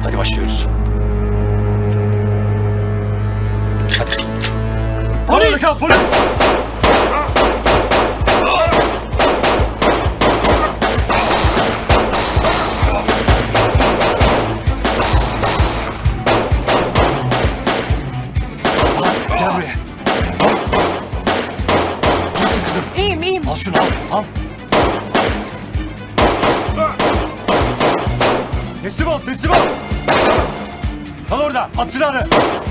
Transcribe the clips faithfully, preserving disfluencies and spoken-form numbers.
Hadi başlıyoruz. Hadi. Polis! Kal, polis! Gel buraya. Nasılsın kızım? İyiyim iyiyim. Al şunu al. Al. Teslim ol, teslim ol. Kal orada, at silahını.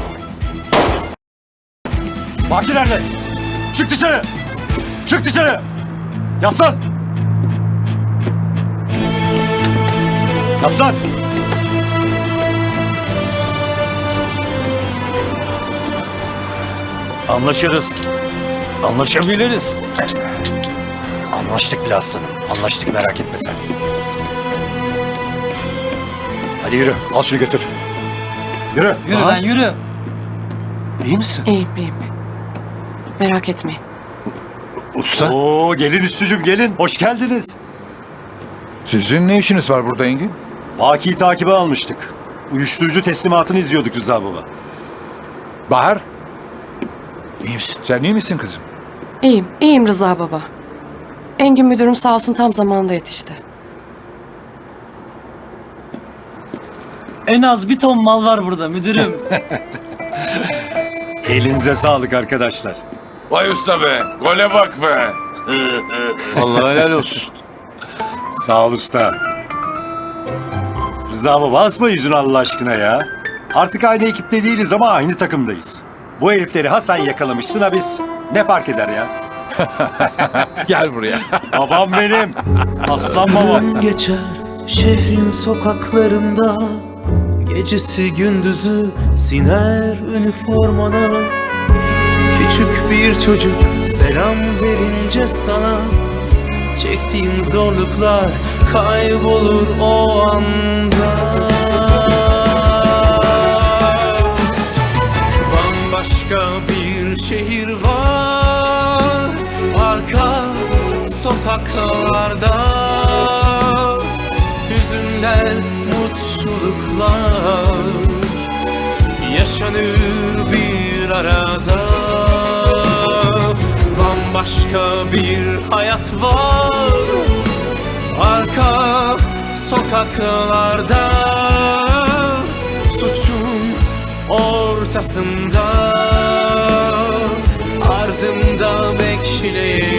Baki nerede? Çık dışarı. Çık dışarı. Yaslan. Yaslan. Anlaşırız. Anlaşabiliriz. Anlaştık bile aslanım. Anlaştık, merak etme sen. Hadi yürü. Al şunu götür. Yürü. Yürü lan yürü. İyi misin? İyiyim iyiyim. Merak etmeyin. Usta, Oo, gelin üstücüm gelin. Hoş geldiniz. sizin ne işiniz var burada Engin? Baki'yi takibe almıştık. Uyuşturucu teslimatını izliyorduk Rıza baba. Bahar, İyi misin? sen iyi misin kızım? İyiyim. İyiyim Rıza baba. Engin müdürüm sağ olsun tam zamanında yetişti. En az bir ton mal var burada müdürüm. Elinize sağlık arkadaşlar. Vay usta be, gole bak be. Vallahi helal olsun. Sağ ol usta. Rıza baba asma yüzünü Allah aşkına ya. Artık aynı ekipte değiliz ama aynı takımdayız. Bu herifleri ha sen yakalamışsın ha biz. Ne fark eder ya? Gel buraya. Babam benim. Aslan babam. Geçer şehrin sokaklarında, gecesi gündüzü siner üniformana. Küçük bir çocuk selam verince sana, çektiğin zorluklar kaybolur o anda. Bambaşka bir şehir var arka sokaklarda, hüzünler, mutluluklar yaşanır bir arada. Bambaşka bir hayat var arka sokaklarda, suçun ortasında, ardımda bekleyen